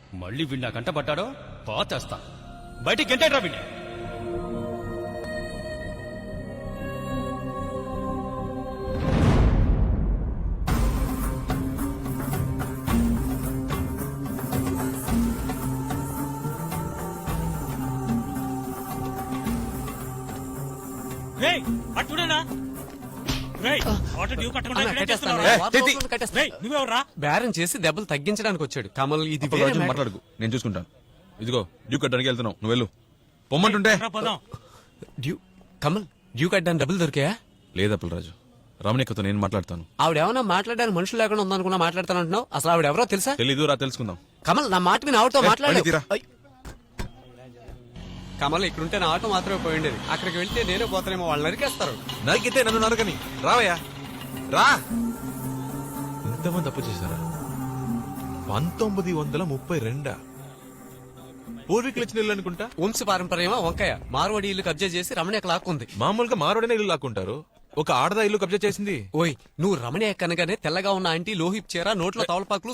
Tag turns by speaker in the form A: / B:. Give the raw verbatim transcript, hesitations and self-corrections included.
A: మళ్ళీ వీడు నా కంట పట్టాడో పాతేస్తా. బయటికి గంటేట్రా వీడిని.
B: బేరం చేసి దెబ్బలు తగ్గించడానికి వచ్చాడు కమల్. ఇది
C: మాట్లాడుకు, నేను చూసుకుంటాను. ఇదిగో డ్యూ కట్టడానికి వెళ్తున్నావు, నువ్వు వెళ్ళు. పొమ్మంటుంటే.
B: డ్యూ కమల్ డ్యూ కట్టడానికి డబ్బులు దొరికాయా?
C: లేదా పుల్లరాజు, రమణికతో నేను మాట్లాడతాను.
B: ఆవిడేమన్నా మాట్లాడడానికి మనుషులు లేకుండా ఉందనుకున్నా మాట్లాడతానంటున్నావు. అసలు ఆవిడ ఎవరో తెలుసా?
C: తెలీదు, రా తెలుసుకుందాం.
B: కమల్ నా మాట విని ఆవిడతో మాట్లాడు.
C: తీరా.
B: కమల్ ఇక్కడుంటే నా ఆటో మాత్రమే పోయిండేది. అక్కడికి వెళ్తే నేనే పోతానేమో, వాళ్ళు నరికేస్తారు.
C: నరికితే నన్ను నరకని. రావయ్యా రా. ఎంతమంది తప్పు చేశారా? పంతొమ్మిది వందల ముప్పై రెండా? పూర్వీకులు ఇచ్చిన ఇల్లు అనుకుంటా.
B: వంశ పారంపర్యమా వంకాయ మార్వాడి ఇల్లు కబ్జా చేసి రమణి లాక్కుంది.
C: మామూలుగా మారోడనే ఇల్లు లాక్కుంటారు, ఒక ఆడదా ఇల్లు కబ్జా చేసింది.
B: ఓయ్ నువ్వు రమణి కనగానే తెల్లగా ఉన్న ఆంటీ లోహిప్ చీర, నోట్లో తవలపాకులు,